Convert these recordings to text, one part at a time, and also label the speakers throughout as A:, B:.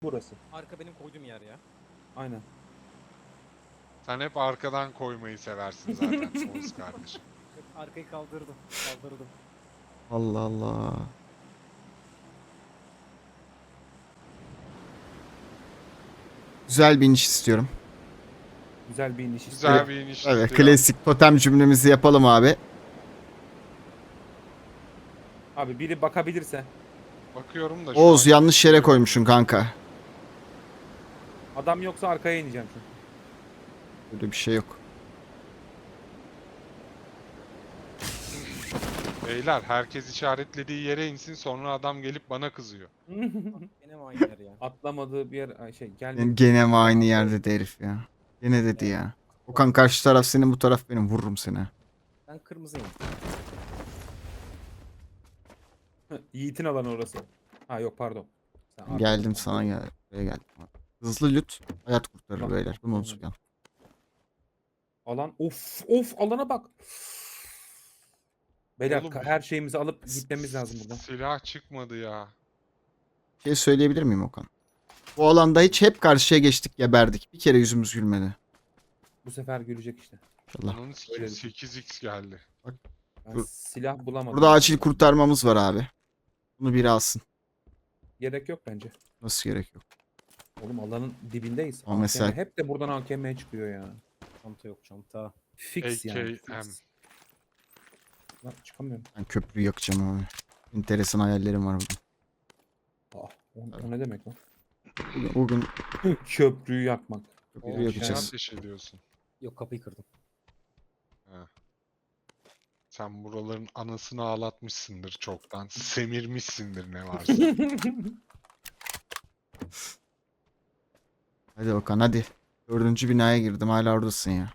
A: Burası.
B: Arka benim koyduğum yer ya.
A: Aynen.
C: Sen hep arkadan koymayı seversin zaten Oğuz kardeşim.
B: Hep arkayı kaldırdım. Kaldırdım.
D: Allah Allah. Güzel bir iniş istiyorum.
A: Güzel bir iniş
C: Güzel
A: istiyorum.
C: bir iniş
D: Evet,
C: istiyor.
D: klasik totem cümlemizi yapalım abi.
A: Abi biri bakabilirse.
C: Bakıyorum da şu
D: Oğuz
C: an
D: yanlış yere
C: kimse yok.
D: koymuşsun kanka.
A: Adam yoksa arkaya ineceğim çünkü.
D: Böyle bir şey yok.
C: Beyler herkes işaretlediği yere insin sonra adam gelip bana kızıyor.
B: Yine mi aynı yer ya?
A: Atlamadığı bir yer şey
D: Yani
A: gelmedi.
D: gene mi aynı yerde de herif ya. Gene dedi ya. Okan karşı taraf senin, bu taraf benim, vururum seni.
B: Ben kırmızıyım.
A: Yiğit'in alanı orası. Ha yok pardon. Sen arkada.
D: Geldim sana, gel. Buraya geldim. Hızlı lüt hayat kurtarır
A: Bak,
D: beyler. Bunu
A: aynen.
D: unutmayalım.
A: Alan of alana bak. Beyler
C: Oğlum,
A: her şeyimizi alıp gitmemiz lazım buradan.
C: Silah çıkmadı ya.
D: Bir şey söyleyebilir miyim Okan? Bu alanda hiç hep karşıya geçtik, geberdik. Bir kere yüzümüz gülmedi.
A: Bu sefer gülecek işte.
D: İnşallah.
C: Onun
A: Öyle.
C: 8x geldi.
A: Ben
D: Dur.
A: silah bulamadım.
D: Burada acil kurtarmamız var abi. Bunu biri alsın.
A: Gerek yok bence.
D: Nasıl gerek yok.
A: Oğlum alanın dibindeyiz.
D: Ama mesela-
A: AKM. Hep de buradan AKM çıkıyor ya.
B: Çanta yok çanta.
A: Fix yani.
C: AKM.
A: Fix. Lan çıkamıyorum.
D: Ben köprüyü yakacağım abi. Enteresan hayallerim var bugün.
A: O ne demek lan?
D: Bugün
A: Köprüyü yakmak.
D: köprüyü
C: Oğlum,
D: yakacağız.
C: sen ateş ediyorsun.
B: Yok kapıyı kırdım.
C: Sen buraların anasını ağlatmışsındır çoktan. Semirmişsindir ne varsa.
D: Hadi Okan hadi. 4. binaya girdim, hala oradasın ya.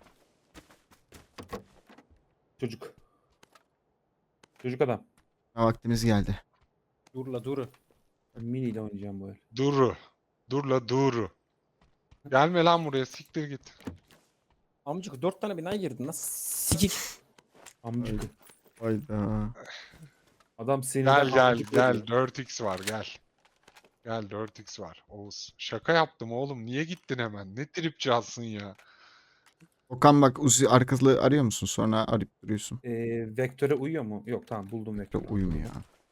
A: Çocuk. Çocuk adam.
D: Ha, vaktimiz geldi.
B: Dur dur.
A: Ben mini ile oynayacağım bu el.
C: Duru. Dur la duru. Gelme lan buraya siktir git.
B: Amcık 4 tane binaya girdin lan. Sikik.
A: Amcık.
D: Hayda.
A: Adam sinirden
C: Gel
A: amcık oluyor.
C: 4x var gel. Gel 4x var Oğuz. Şaka yaptım oğlum. Niye gittin hemen? Ne tripçi ya.
D: Okan bak, Uzi arkalı arıyor musun? Sonra arayıp duruyorsun.
A: Vektöre uyuyor mu? Yok tamam buldum vektörü.
D: Çok uyumuyor.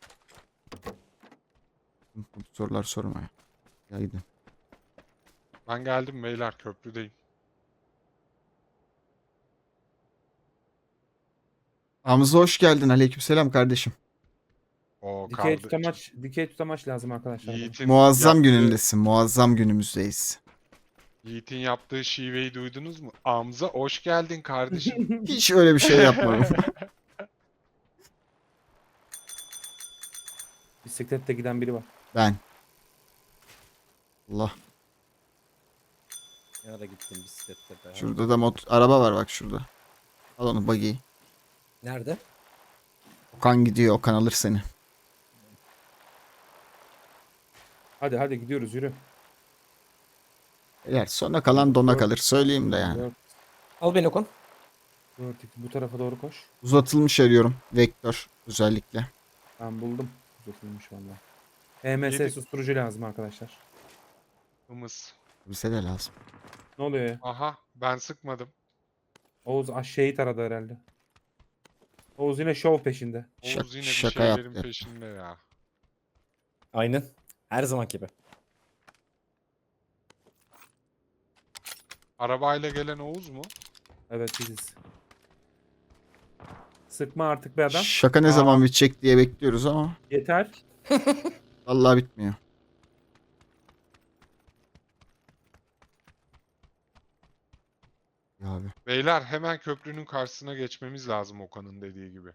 D: Bu sorular sorma ya. Ya gidin.
C: Ben geldim beyler köprüdeyim.
D: Hamza hoş geldin. Aleykümselam kardeşim.
C: O
A: Dikey tutamaç lazım arkadaşlar. bana.
C: Yiğit'in
D: Muazzam
C: yaptığı-
D: günündesin. Muazzam günümüzdeyiz.
C: Yiğit'in yaptığı şiveyi duydunuz mu? Amza hoş geldin kardeşim.
D: Hiç öyle bir şey yapmadım.
A: Bisiklette giden biri var.
D: Ben. Allah.
B: Ya da gittim bisiklette be.
D: Şurada da araba var bak şurada. Al onu, buggy'yi.
B: Nerede?
D: Okan gidiyor. Okan alır seni.
A: Hadi gidiyoruz yürü.
D: Eğer sona kalan dona kalır. Söyleyeyim de yani.
B: Al beni Okan.
A: Bu tarafa doğru koş.
D: Uzatılmış arıyorum. Vektör özellikle.
A: Ben buldum. Uzatılmış valla. EMS
C: Yedik.
A: susturucu lazım arkadaşlar.
C: Hımız.
D: Bize de lazım.
A: Ne oluyor ya?
C: Aha ben sıkmadım.
A: Oğuz şehit aradı herhalde. Oğuz yine şov peşinde.
C: Oğuz yine bir
D: şaka
C: şeylerin
D: yaptı.
C: peşinde ya.
B: Aynen. Her zaman gibi.
C: Arabayla gelen Oğuz mu?
A: Evet biziz. Sıkma artık be adam.
D: Şaka ne
C: Aa.
D: zaman bitecek diye bekliyoruz ama
A: Yeter.
D: vallahi bitmiyor. Ya abi.
C: Beyler hemen köprünün karşısına geçmemiz lazım Okan'ın dediği gibi.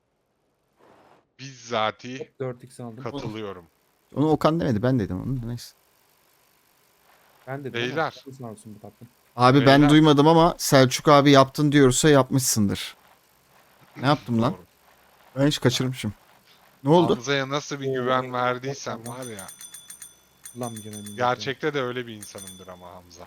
C: Bizzati
A: 4x aldım.
C: katılıyorum.
D: Onu Okan demedi, ben dedim onu. Neyse.
A: Ben dedim
C: Beyler.
A: ama sağ olsun bu tatlım.
D: Abi ben
C: Beyler.
D: duymadım ama Selçuk abi yaptın diyorsa yapmışsındır. Ne yaptım lan?
C: Doğru.
D: Ben hiç kaçırmışım. Ne oldu?
C: Hamza'ya nasıl bir
A: Oo,
C: güven
A: evet,
C: verdiysen
A: evet,
C: var ya.
A: Kullanmayacağım emin
C: Gerçekte de öyle bir insanımdır ama Hamza.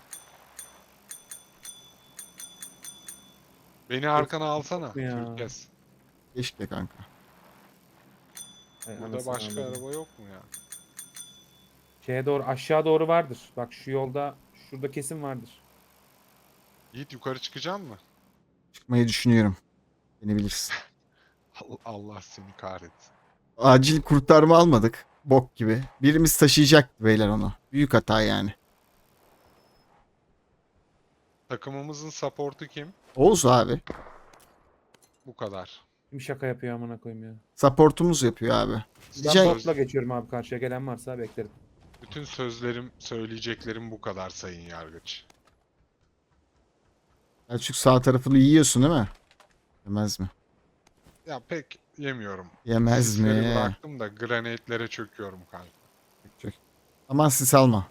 C: Beni arkana alsana.
A: ya.
C: Türkes.
D: Keşke kanka.
C: Burada başka araba yok mu ya?
A: Şeye doğru aşağı doğru vardır. Bak şu yolda şurada kesin vardır.
C: Yiğit yukarı çıkacaksın mı?
D: Çıkmayı düşünüyorum. Beni bilirsin.
C: Allah seni kahretsin.
D: Acil kurtarma almadık. Bok gibi. Birimiz taşıyacaktı beyler onu. Büyük hata yani.
C: Takımımızın support'u kim?
D: Oğuz abi.
C: Bu kadar.
A: Kim şaka yapıyor amına koyayım ya.
D: Supportumuz yapıyor abi.
A: Ben
D: Diyecek,
A: botla geçiyorum abi, karşıya gelen varsa beklerim.
C: Bütün sözlerim, söyleyeceklerim bu kadar sayın yargıç.
D: Selçuk sağ tarafını yiyorsun değil mi? Yemez mi?
C: Ya pek yemiyorum.
D: Yemez
C: Sisleri
D: mi?
C: bıraktım da granate'lere çöküyorum kanka.
D: Çök. Aman sis alma.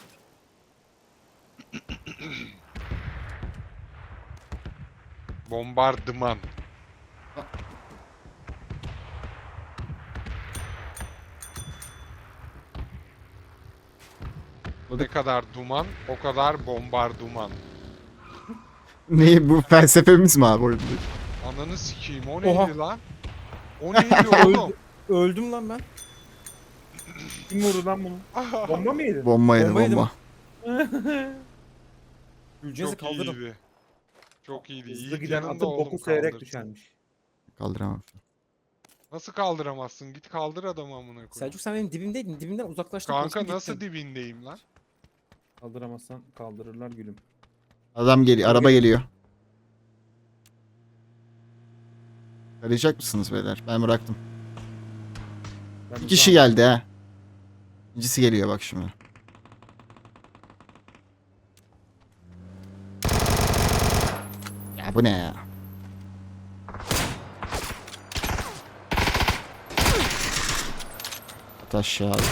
C: Bombardıman. Ne kadar duman, o kadar bombardıman.
D: Ne bu felsefemiz mi abi oyunda?
C: Ananı sikeyim, o
B: Oha.
C: neydi lan? O neydi oğlum?
B: Öldüm lan ben.
A: Kim vurdu lan bunu? Bomba mı yedi?
D: Bomba yedi
B: Bomba yedim.
D: bomba.
B: Gülcez'i
C: Çok
B: kaldırdım.
C: iyiydi. Çok iyiydi.
A: Hızlı
C: Yiğit
A: giden
C: yanında
A: atın
C: oğlum
A: boku seyrek
C: kaldır.
A: düşermiş.
D: Kaldıramam.
C: Nasıl kaldıramazsın? Git kaldır adamı amına koyayım.
B: Selçuk sen benim dibimdeydin. Dibimden uzaklaştın.
C: Kanka
B: koştun,
C: nasıl
B: gittin.
C: dibindeyim lan?
A: Kaldıramazsan kaldırırlar gülüm.
D: Adam geliyor. Araba geliyor. Arayacak mısınız beyler? Ben bıraktım.
A: Ben
D: Bir kişi
A: uzağım.
D: geldi ha. İkincisi geliyor bak şimdi. Ya bu ne ya? At aşağı abi.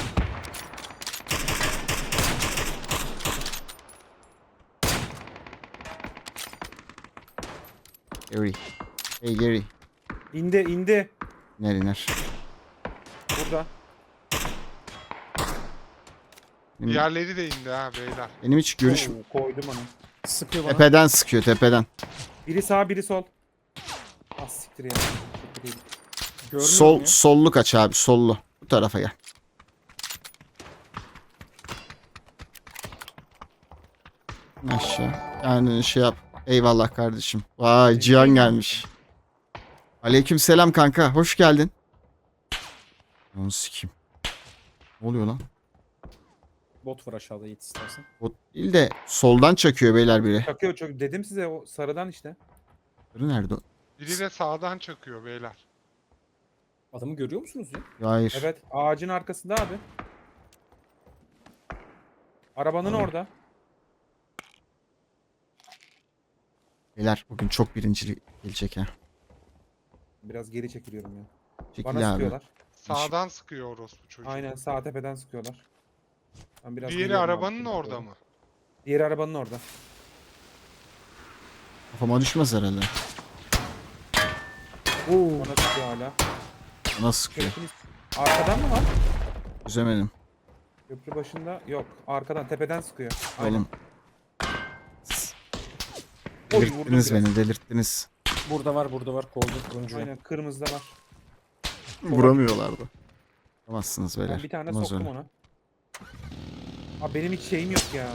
D: Gary. Hey Gary.
A: İndi indi.
D: İner iner.
A: Burada.
D: Benim,
C: Diğerleri de indi ha beyler.
D: benim hiç görüş...
A: Oo, koydum onu.
B: Sıkıyor bana.
D: Tepeden sıkıyor tepeden.
A: Biri sağ biri sol. Az siktir ya. Siktir değil.
B: Görmüyorum ya.
D: Sollu kaç abi sollu. Bu tarafa gel. Aşağı. Yani şey yap. Eyvallah kardeşim. Vay Cihan gelmiş. Aleykümselam kanka. Hoş geldin. Onu sikeyim. Ne oluyor lan?
B: Bot var aşağıda Yiğit istersen.
D: O değil de soldan çakıyor beyler biri.
A: Çakıyor çok. Dedim size o sarıdan işte.
D: Biri nerede?
C: Biri de sağdan çakıyor beyler.
B: Adamı görüyor musunuz ya?
D: Ya hayır.
A: Evet ağacın arkasında abi. Arabanın orada.
D: Beyler bugün çok birincilik gelecek ha.
A: Biraz geri çekiliyorum ya.
D: Çekil
A: Bana
D: abi.
A: sıkıyorlar.
C: Sağdan sıkıyor orospu çocuğu.
A: Aynen sağ tepeden sıkıyorlar. Ben biraz
C: Diğeri
A: geliyorum abi,
C: arabanın
A: şuraya
C: orada
A: doğru.
C: mı?
A: Diğeri arabanın orada.
D: Kafama düşmez herhalde.
A: Bana sıkıyor hala.
D: Bana sıkıyor.
A: Köprünün- Arkadan mı var?
D: Çözemedim.
A: Köprü başında yok. Arkadan tepeden sıkıyor. Aynen.
D: Oğlum.
A: Oy, vurdum
D: Delirttiniz
A: biraz.
D: beni delirttiniz.
B: Burada var. Kolda turuncu.
A: Aynen kırmızıda var.
D: Vuramıyorlardı. Vuramazsınız beyler.
A: Ben bir tane
D: Olmaz
A: soktum
D: öyle.
A: ona. Abi benim hiç şeyim yok ya.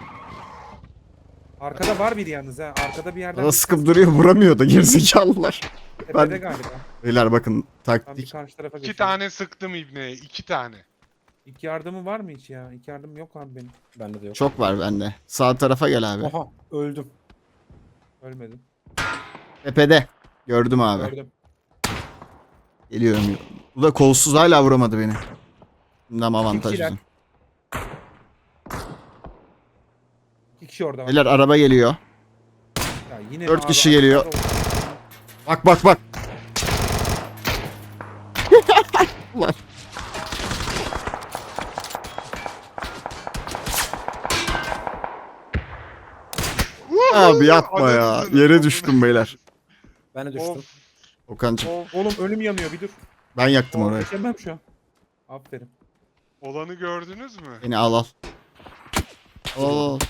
A: Arkada var biri yalnız ha. Arkada bir yerden
D: Bana
A: bir
D: sıkıp
A: ses-
D: duruyor vuramıyor da gerizekalılar.
A: Tepede
D: ben-
A: galiba.
D: Beyler bakın
A: Ben bir
D: taktik.
A: karşı tarafa
C: İki
A: geçiyorum.
C: tane sıktım ibneye. 2 tane.
A: İlk yardımı var mı hiç ya? İlk yardım yok abi benim.
B: Bende de yok.
D: Çok var bende. Sağ tarafa gel abi.
B: Oha öldüm.
A: Ölmedim.
D: Tepede. Gördüm abi.
A: Gördüm.
D: Geliyorum. Bu da kolsuz hala vuramadı beni. Bundan avantaj
A: kişiler.
D: bizim.
A: İki kişi orada var.
D: Beyler araba geliyor.
A: Ya yine
D: 4
A: abi
D: kişi geliyor.
A: arkada
D: Bak bak bak. Ulan. Abi yapma ya.
C: Ananı
D: Yere
C: amına
D: düştüm beyler.
B: Ben de düştüm.
C: Of.
D: Okan'cım
A: Oğlum ölüm yanıyor bir dur.
D: ben yaktım
A: Oraya
D: orayı.
A: geçemem şu an. Aferin.
C: Olanı gördünüz mü?
D: Beni al al. Al.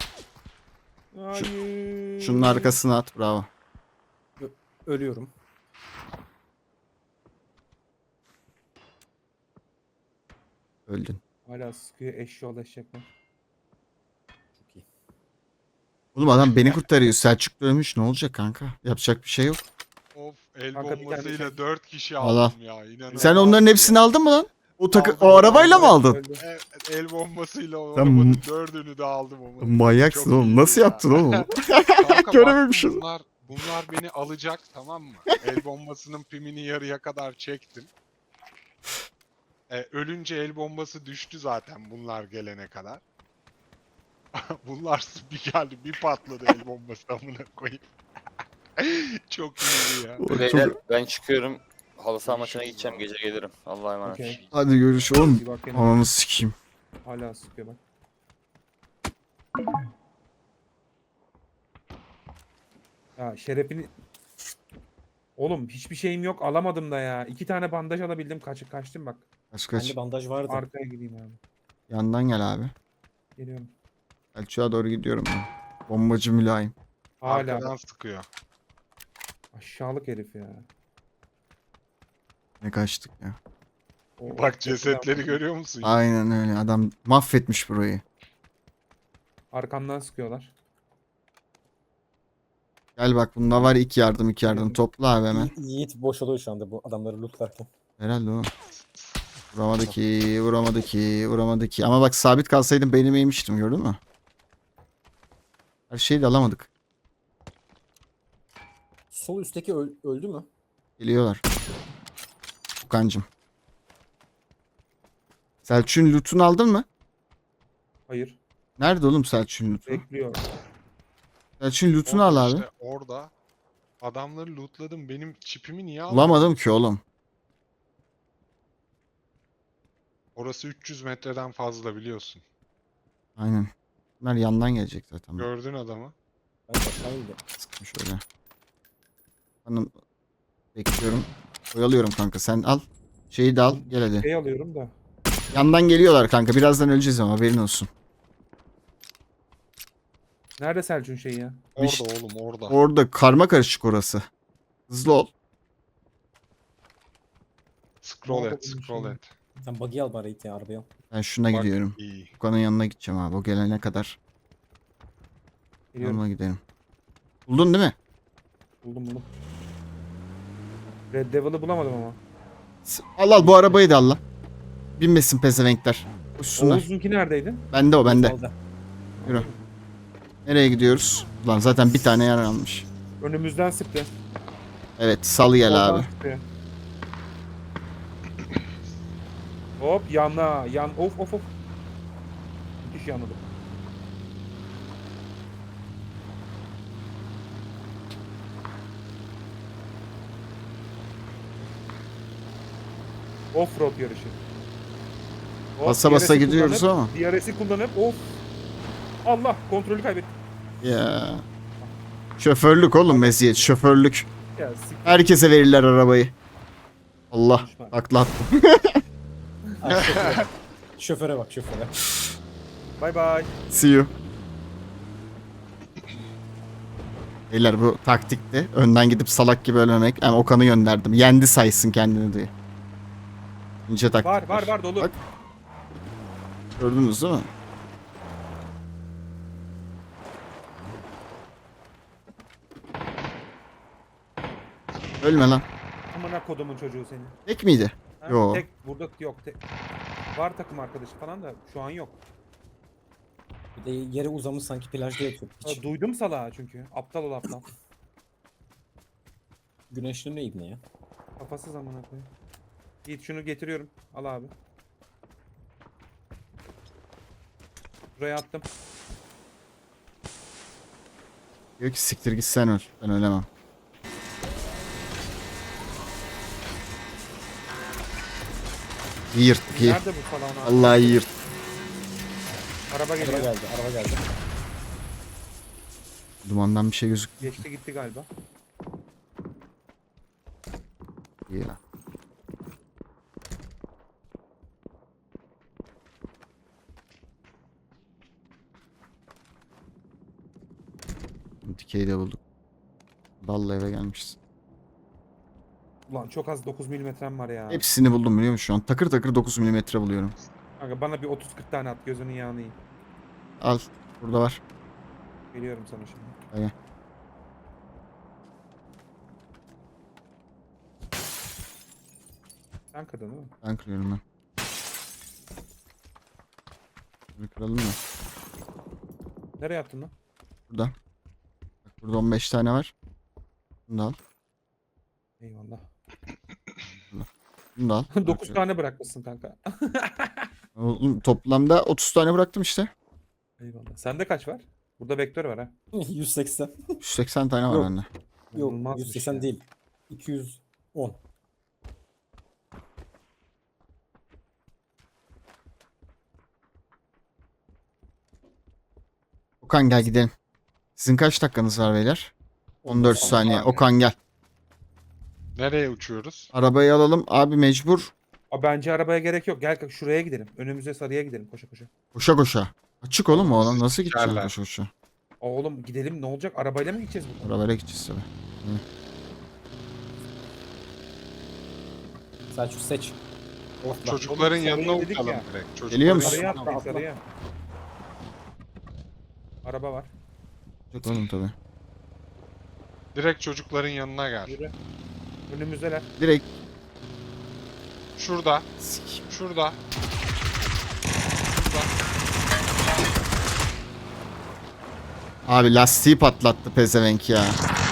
A: Hayır.
D: Şunun arkasına at bravo.
B: Ölüyorum.
D: Öldün.
A: Hala sıkıyor eşşoğlu eşekler.
B: Çok iyi.
D: Oğlum adam beni kurtarıyor. Selçuk da ölmüş. Ne olacak kanka? Yapacak bir şey yok.
C: Of, el
A: Kanka bir tane
C: bombasıyla
A: şey-
C: 4 kişi
D: Al, al.
C: aldım ya. İnanılmaz
D: Sen onların
C: ya.
D: hepsini aldın mı lan?
C: Aldım,
D: O arabayla mı
C: aldım.
D: aldın?
A: Öldü.
C: El bombasıyla o
D: Sen-
C: arabanın 4'ünü de aldım ama.
D: Manyaksın
C: Çok
D: oğlum.
C: iyiydi
D: Nasıl
C: ya.
D: yaptın oğlum?
C: Kanka
D: Görememişiz.
C: baktım bunlar beni alacak, tamam mı? El bombasının pimini yarıya kadar çektim. Ölünce el bombası düştü zaten bunlar gelene kadar. Bunlar bir geldi bir patladı el bombası amına koyayım. Çok iyiydi ya.
E: Beyler ben çıkıyorum. Halı saha maçına
C: Görüşürüz
E: gideceğim.
C: abi.
E: Gece gelirim. Allah'a emanet.
A: Okey.
D: Hadi görüş oğlum.
A: Bir bak yine.
D: Ananı sikeyim.
A: Hala sıkıyor bak. Ya şerefini... Oğlum hiçbir şeyim yok alamadım da ya. 2 tane bandaj alabildim kaçtım bak.
D: Kaç kaç.
B: Bende bandaj vardı.
A: Arkaya gideyim abi.
D: Yandan gel abi.
A: Geliyorum.
D: Selçuk'a doğru gidiyorum ben. Bombacı mülayim.
A: Hala
C: Arkadan sıkıyor.
A: aşağılık herif ya.
D: Ne kaçtık ya.
C: Bak cesetleri görüyor musun?
D: Aynen öyle. Adam mahvetmiş burayı.
A: Arkamdan sıkıyorlar.
D: Gel bak bunda var iki yardım.
A: Geliyorum.
D: Topla abi hemen.
B: Yiğit boş oluyor şu anda bu adamları lootlarken.
D: Herhalde o. Vuramadı ki. Ama bak sabit kalsaydım beynime yemiştim gördün mü? Her şeyi de alamadık.
B: Sol üstteki öldü mü?
D: Geliyorlar. Okan'cım. Selçuk'un loot'unu aldın mı?
A: Hayır.
D: Nerede oğlum Selçuk'un loot'u?
A: Bekliyor.
D: Selçuk'un loot'unu al
C: Orada
D: abi.
C: işte, orada adamları lootladım. Benim çipimi niye aldın?
D: Bulamadım ki oğlum.
C: Orası 300 metreden fazla biliyorsun.
D: Aynen. Bunlar yandan gelecek zaten.
C: Gördün adamı.
B: Ben aşağı indim.
D: Sıkmış öyle. Hanım bekliyorum. Oyalıyorum kanka sen al. Şeyi de al gel hadi.
A: Şey alıyorum da.
D: Yandan geliyorlar kanka. Birazdan öleceğiz ama haberin olsun.
A: Nerede Selçuk'un şeyi ya?
C: Orada
D: İşte-
C: oğlum orada.
D: Orada karma karışık orası. Hızlı ol.
C: Scroll
A: Nerede
C: et,
A: bunun
C: scroll
A: şeyi?
C: et.
B: Sen buggy al bari Yiğit ya arabaya al.
D: Ben şuna
C: Bak,
D: gidiyorum.
C: iyi.
D: Okan'ın yanına gideceğim abi. O gelene kadar.
A: Geliyorum.
D: Yanına gidelim. Buldun değil mi?
A: Buldum. Red Devil'ı bulamadım ama.
D: Al bu arabayı da al lan. Binmesin pezevenkler. Uçsunlar.
A: Oğuz'unki neredeydi?
D: Bende o bende.
B: Solda.
D: Yürü. Nereye gidiyoruz? Ulan zaten bir tane yer almış.
A: Önümüzden sıktı.
D: Evet sal gel
A: Oradan
D: abi.
A: sıktı. Hop yan. Of. Müthiş yanladım. Offroad yarışı. Hop,
D: Basa basa
A: DRS'i
D: gidiyoruz
A: kullanıp-
D: ama.
A: DRS'i kullanıp of. Allah kontrolü kaybettim.
D: Ya. Şoförlük oğlum meziyet. Şoförlük.
A: Ya siktir.
D: Herkese verirler arabayı. Allah.
A: Konuşma.
D: Takla attım.
B: Ha, şoföre. Şoföre bak şoföre.
A: Bye bye.
D: See you. Beyler bu taktikti. Önden gidip salak gibi ölmemek. Yani Okan'ı gönderdim. Yendi saysın kendini diye. İnce taktik.
A: Var dolu.
D: Bak. Gördünüz değil mi? Ölme lan.
A: Amına kodumun çocuğu seni.
D: Tek miydi?
A: Ha,
D: Yo.
A: Tek burada yok. Var takım arkadaşı falan da şu an yok.
B: Bir de yere uzamış sanki plajda yatıyor.
A: Ha,
B: Hiç
A: duydum salağı çünkü. Aptal ol aptal.
B: güneşli ne ibne ya.
A: Kafasız amına koyayım. Git şunu getiriyorum. Al abi. Buraya attım.
D: Diyor ki siktir git sen öl. Ben ölemem. İyi yırttık iyi.
A: Nerede bu falan abi?
D: Vallahi iyi yırttık.
A: Araba
B: Araba
A: geliyor.
B: geldi.
D: Dumandan bir şey gözükmüyor.
A: Geçti gitti galiba.
D: Ya. Dikeyi de bulduk. Dalla eve gelmişiz.
A: Ulan çok az 9 milimetrem var ya.
D: Hepsini buldum biliyor musun şu an? Takır takır 9 milimetre buluyorum.
A: Kanka bana bir 30-40 tane at gözünün yağını yiyeyim.
D: Al. Burada var.
A: Geliyorum sana şimdi.
D: Gel.
A: Sen kırdın değil mi?
D: Ben kırıyorum ben. Bunu kıralım mı?
A: Nereye attın lan?
D: Burada. Bak burada 15 tane var. Bunu da al.
A: Eyvallah.
D: Bunu da al.
A: 9 tane bırakmışsın kanka.
D: Oğlum, toplamda 30 tane bıraktım işte.
A: Eyvallah. Sende kaç var? Burada vektör var ha.
B: 180.
D: 180 tane var
B: Yok.
D: bende.
B: Yok
A: İnanılmazmış
B: 180
A: ya.
B: değil. 210.
D: Okan gel gidelim. Sizin kaç dakikanız var beyler? 14 saniye.
C: saniye.
D: Okan gel.
C: Nereye uçuyoruz?
D: Arabayı alalım. Abi mecbur.
A: Aa, bence arabaya gerek yok. Gel şuraya gidelim. Önümüze sarıya gidelim koşa koşa.
D: Koşa koşa. Açık oğlum o alan. Nasıl gideceğim
C: Sikerler.
D: koşa koşa?
A: Oğlum gidelim ne olacak? Arabayla mı gideceğiz buradan?
D: Arabayla gideceğiz tabii.
B: Selçuk seç. Orta.
C: Çocukların
A: Oğlum,
C: yanına
A: sarıya dedik
C: uçalım
A: ya.
C: direkt.
D: Geliyor
C: Çocukların
D: musun?
A: Sarıya
C: yanına
A: atlayın
B: atla.
A: sarıya. Araba var.
D: Yok oğlum tabii.
C: Direkt çocukların yanına gel.
A: Yürü. Önümüzdeler.
D: Direkt
C: Şurada.
D: Sik.
C: Şurada.
D: Abi lastiği patlattı pezevenk ya.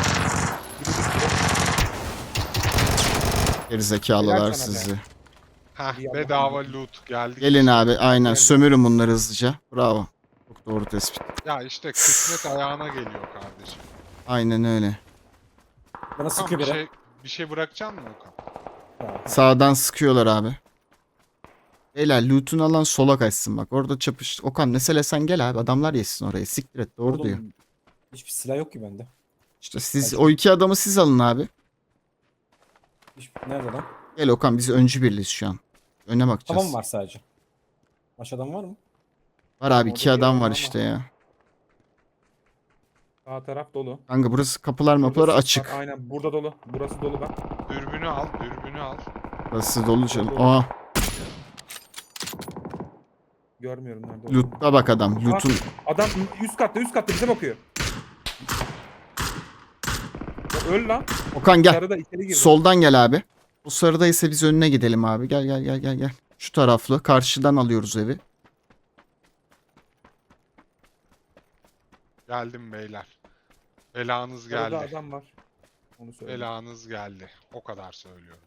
D: Gerizekalılar
A: Helal sana be.
D: sizi.
C: Heh,
A: İyi,
C: bedava
A: Allah'ım.
C: loot geldik.
D: Gelin abi aynen
A: Geldim.
D: sömürün bunları hızlıca. Bravo. Çok doğru tespit.
C: Ya işte kısmet ayağına geliyor kardeşim.
D: Aynen öyle.
B: Bana
C: Tamam,
B: sıkıyor biri.
C: bir şey bırakacak mısın Okan?
B: Ya,
D: Sağdan sıkıyorlar abi. Beyler loot'unu alan sola kaçsın bak. Orada çapış. Okan mesela sen gel abi. Adamlar yesin orayı. Siktir et. Doğru
B: oğlum,
D: diyor.
B: Hiçbir silah yok ki bende.
D: İşte siz
B: Kaçın.
D: o iki adamı siz alın abi.
B: Nerede lan?
D: Gel Okan biz öncü birliyiz şu an. Öne bakacağız.
B: Tamam var sadece. Aşağıdan var mı?
D: Var abi
A: Orada
D: iki
A: bir
D: adam
A: adam
D: var
A: ama.
D: işte ya.
A: Sağ taraf dolu.
D: Kanka burası kapılar mapıları
A: Burada sis
D: açık.
A: var. Aynen burada dolu. Burası dolu bak.
C: Dürbünü al, dürbünü al.
D: Burası dolu canım.
A: Dolu.
D: Aa
A: Görmüyorum nerede olduğunu.
D: loot'a bak adam. Loot'un
A: Adam üst katta bize bakıyor. Ya öl lan.
D: Okan gel.
A: Sarıda içeri girdi.
D: Soldan gel abi. O sarıdaysa biz önüne gidelim abi. Gel gel gel gel gel. Şu taraflı. Karşıdan alıyoruz evi.
C: Geldim beyler. Belanız
A: Sarıda
C: geldi.
A: adam var. Onu söyle.
C: Belanız geldi. O kadar söylüyorum.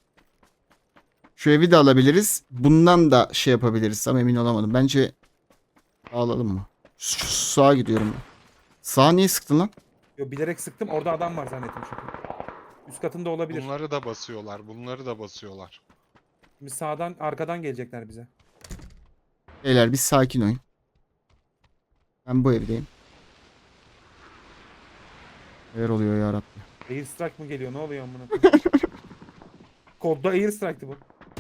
D: Şu evi de alabiliriz. Bundan da şey yapabiliriz. Ama emin olamadım. Bence alalım mı? Şu sağa gidiyorum. Sağa niye sıktın lan?
A: Yo, bilerek sıktım. Orada adam var zannettim çünkü. Üst katında olabilir.
C: Bunları da basıyorlar. Bunları da basıyorlar.
A: Şimdi sağdan arkadan gelecekler bize.
D: Beyler bir sakin oyun. Ben bu evdeyim. Neler oluyor ya Rabbi?
A: Air strike mı geliyor? Ne oluyor amına koyayım? Kodda air strike'tı bu.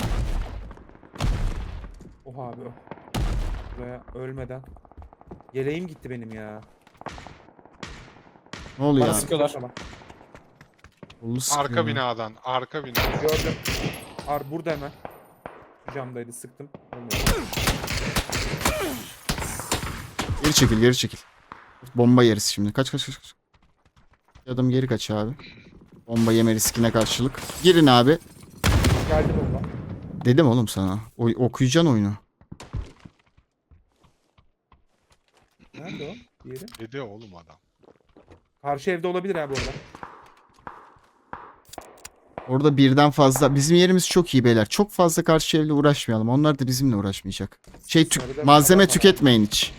A: Oha abi o. Buraya ölmeden. Yeleğim gitti benim ya.
D: Ne oluyor
B: Bana
D: ya?
B: sıkıyorlar.
A: Tamam.
D: Kolu sıkıyor
C: Arka
D: ya.
C: binadan. Arka binadan.
A: Gördüm. Burada hemen. Şu camdaydı sıktım. Olmuyor.
D: Geri çekil geri çekil. Bomba yeriz şimdi. Kaç kaç kaç. Kaç. Bir adım geri kaç abi. Bomba yeme riskine karşılık. Girin abi.
A: Geldi bomba.
D: Dedim oğlum sana. Okuyacaksın oyunu.
A: Nerede o? Diğeri.
C: Dedi oğlum adam.
A: Karşı evde olabilir abi orada.
D: Orada birden fazla. Bizim yerimiz çok iyi beyler. Çok fazla karşı evle uğraşmayalım. Onlar da bizimle uğraşmayacak.
A: Sarıda
D: Malzeme
A: adam var.
D: tüketmeyin hiç.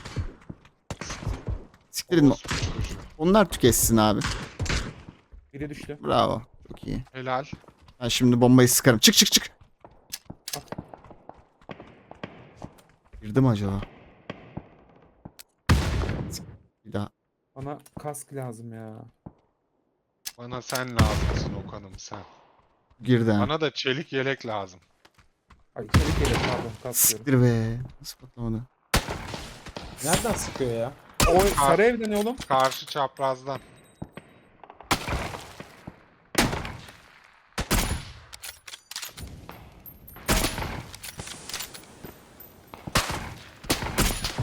D: Siktirin.
C: Orospu çocuğu.
D: Onlar tüketsin abi.
A: Biri düştü.
D: Bravo. Çok iyi.
C: Helal.
D: Ben şimdi bombayı sıkarım. Çık çık çık. Girdi mi acaba? Bir daha.
A: Bana kask lazım ya.
C: Bana sen lazımsın Okan'ım sen.
D: Girdi ha.
C: Bana da çelik yelek lazım.
A: Ay çelik yelek pardon kask diyorum.
D: Siktir be. Nasıl patlamadı?
B: Nereden sıkıyor ya?
A: O sarı evde ne oğlum?
C: Karşı çaprazdan.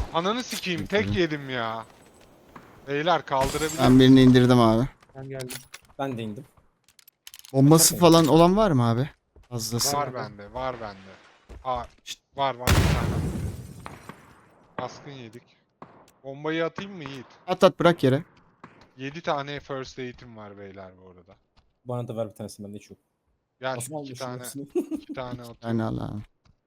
C: Ananı sikeyim
D: Tabii.
C: tek yedim ya. Beyler kaldırabilir.
D: Ben birini indirdim abi.
A: Ben geldim.
B: Ben de indim.
D: Bombası
B: Bakalım.
D: falan olan var mı abi? Fazlası.
C: Var bende, var bende. Aa, var bir tane. Baskın yedik. Bombayı atayım mı Yiğit?
D: At at bırak yere.
C: 7 tane first aid'im var beyler bu arada.
B: Bana da ver bir tanesini, bende hiç yok.
C: Gel
B: Nasıl
C: 2
B: almışım
C: tane,
B: hepsini?
C: 2 tane atıyorum.
D: Yani al abi.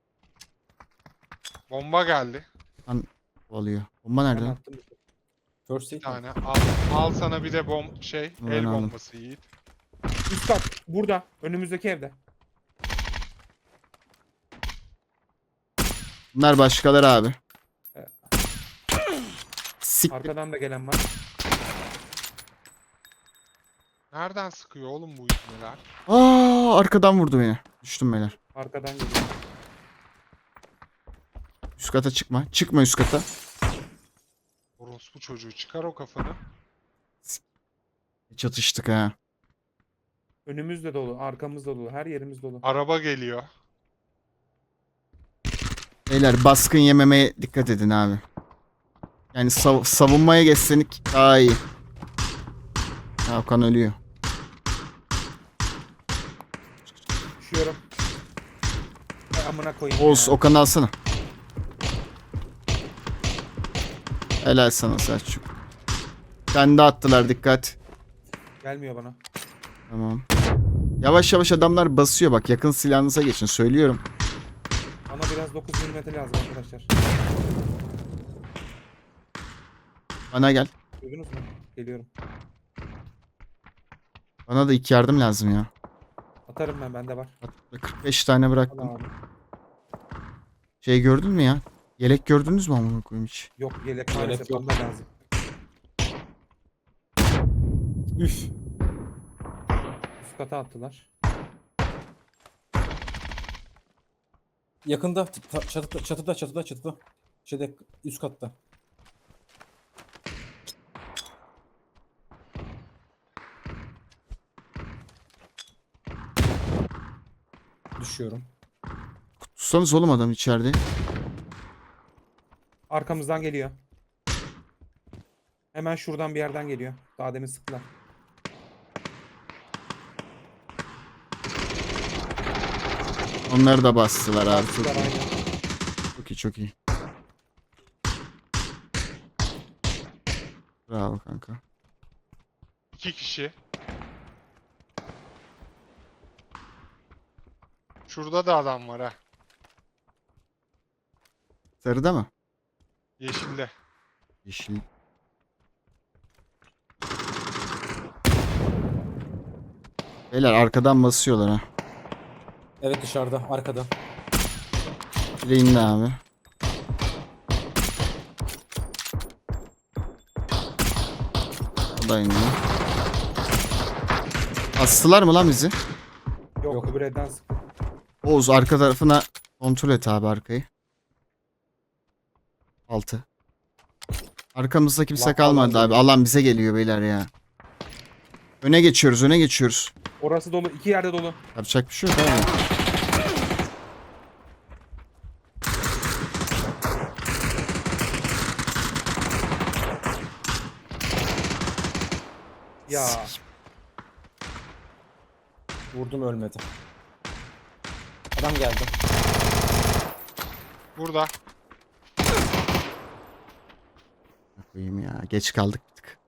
C: Bomba geldi.
D: Oluyor. Bomba
A: Ben
D: nerede?
A: attım.
B: First
C: Bir
B: aid
C: tane. Al sana bir de
D: Ben
C: el
D: aldım.
C: bombası Yiğit.
A: Üst kat. Burada. Önümüzdeki evde.
D: Bunlar başkaları abi.
A: Evet.
D: Siktir.
A: Arkadan da gelen var.
C: Nereden sıkıyor oğlum bu ibneler?
D: Arkadan vurdu beni. Düştüm beyler.
A: Arkadan geliyor.
D: Üst kata çıkma. Çıkma üst kata.
C: Orospu çocuğu çıkar o kafanı.
D: Çatıştık ha.
A: Önümüz de dolu. Arkamız da dolu. Her yerimiz dolu.
C: Araba geliyor.
D: Beyler baskın yememeye dikkat edin abi. Yani savunmaya geçsenik daha iyi. Hakan ölüyor.
A: Düşüyorum. Ay, amına koyayım
D: Oğuz
A: ya.
D: Okan'ı alsana. Helal sana Selçuk. Kendi attılar dikkat.
A: Gelmiyor bana.
D: Tamam. Yavaş yavaş adamlar basıyor bak yakın silahınıza geçin söylüyorum.
A: Bana biraz 9 mm lazım arkadaşlar.
D: Bana gel.
A: Duydunuz mu? Geliyorum.
D: Bana da 2 yardım lazım ya.
A: Atarım ben. Bende var.
D: 45 tane
A: Al
D: bıraktım.
A: abi.
D: Şey gördün mü ya? Yelek gördünüz mü amına koyayım hiç?
A: Yok yelek
B: Yelek
A: maalesef.
B: yok.
A: Bana lazım.
B: Üf.
A: Üst kata attılar.
B: Yakında çatıda. Şeyde üst katta. Düşüyorum.
D: Tutsanız oğlum adam içeride.
A: Arkamızdan geliyor. Hemen şuradan bir yerden geliyor. Daha demin sıktılar.
D: Onları da bastılar abi. Çok
A: Bastılar,
D: iyi.
A: aynen.
D: Çok iyi çok iyi. Bravo kanka.
C: 2 kişi. Şurada da adam var ha.
D: Sarıda mı?
C: Yeşilde.
D: Yeşil. Beyler arkadan basıyorlar ha.
B: Evet, dışarıda, arkada.
D: Biri indi abi. O da indi. Astılar mı lan bizi?
A: Yok,
B: Yok.
A: öbür evden sıktı.
D: Oğuz arka tarafına kontrol et abi arkayı. 6. Arkamızda kimse
B: Alan
D: kalmadı abi.
B: geliyor.
D: Alan bize geliyor beyler ya. Öne geçiyoruz, öne geçiyoruz.
A: Orası dolu. 2 yerde dolu.
D: Yapacak bir şey yok abi.
A: Ya.
B: Vurdum, ölmedi. Adam geldi.
C: Burada.
D: Koyayım ya. Geç kaldık bir tık.